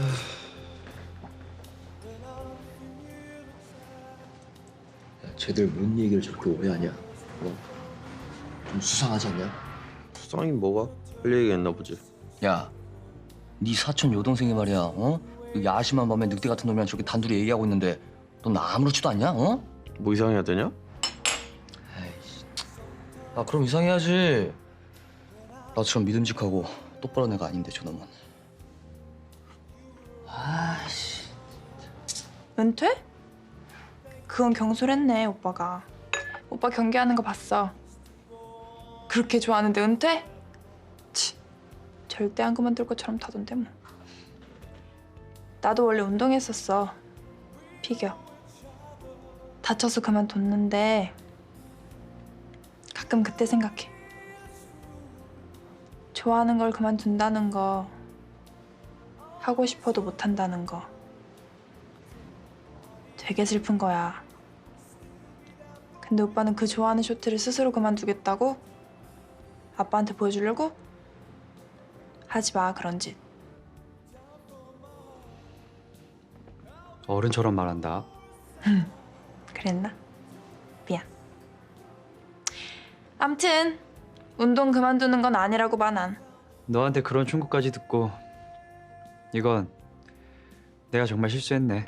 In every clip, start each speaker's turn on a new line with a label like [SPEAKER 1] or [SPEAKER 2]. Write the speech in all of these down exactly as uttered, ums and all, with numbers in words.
[SPEAKER 1] 야, 쟤들 뭔 얘기를 저렇게 오래 하냐? 어? 좀 수상하지 않냐?
[SPEAKER 2] 수상이 뭐가? 할 얘기했나 보지.
[SPEAKER 3] 야, 네 사촌 여동생이 말이야, 어? 그 야심한 밤에 늑대 같은 놈이랑 저렇게 단둘이 얘기하고 있는데 넌 아무렇지도 않냐, 어?
[SPEAKER 2] 뭐 이상해야 되냐?
[SPEAKER 3] 에이씨. 아, 그럼 이상해야지. 나처럼 믿음직하고 똑바른 애가 아닌데 저놈은. 아씨.
[SPEAKER 4] 은퇴? 그건 경솔했네, 오빠가. 오빠 경기하는 거 봤어. 그렇게 좋아하는데 은퇴? 치, 절대 안 그만둘 것처럼 타던데 뭐. 나도 원래 운동했었어. 피겨. 다쳐서 그만뒀는데 가끔 그때 생각해. 좋아하는 걸 그만둔다는 거, 하고 싶어도 못한다는 거 되게 슬픈 거야. 근데 오빠는 그 좋아하는 쇼트를 스스로 그만두겠다고? 아빠한테 보여주려고? 하지 마, 그런 짓.
[SPEAKER 5] 어른처럼 말한다.
[SPEAKER 4] 그랬나? 미안. 암튼 운동 그만두는 건 아니라고 봐, 난.
[SPEAKER 5] 너한테 그런 충고까지 듣고 이건 내가 정말 실수했네.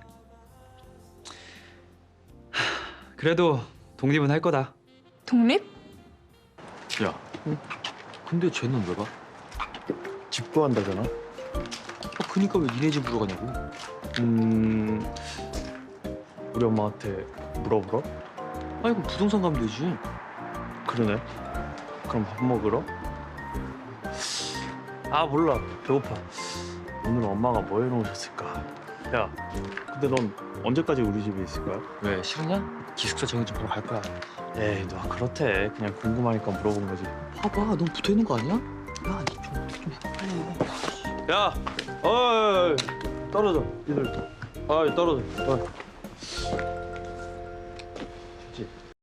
[SPEAKER 5] 하, 그래도 독립은 할 거다.
[SPEAKER 4] 독립?
[SPEAKER 1] 야, 근데 쟤는 왜 가?
[SPEAKER 2] 집 구한다잖아.
[SPEAKER 1] 아, 그니까 왜 니네 집으로 가냐고?
[SPEAKER 2] 음... 우리 엄마한테 물어보러?
[SPEAKER 1] 아니, 그럼 부동산 가면 되지.
[SPEAKER 2] 그러네. 그럼 밥 먹으러? 아 몰라. 배고파. 오늘 엄마가 뭐 해놓으셨을까? 야, 근데 넌 언제까지 우리 집에 있을 거야?
[SPEAKER 1] 왜, 싫으냐? 기숙사 정해 좀 보러 갈 거야.
[SPEAKER 2] 에이, 너 그렇대. 그냥 궁금하니까 물어본 거지.
[SPEAKER 1] 봐봐, 넌 붙어있는 거 아니야? 야, 니 좀 어떻게 좀 해, 빨리.
[SPEAKER 2] 야! 어이! 떨어져, 니들. 아이, 떨어져. 어이.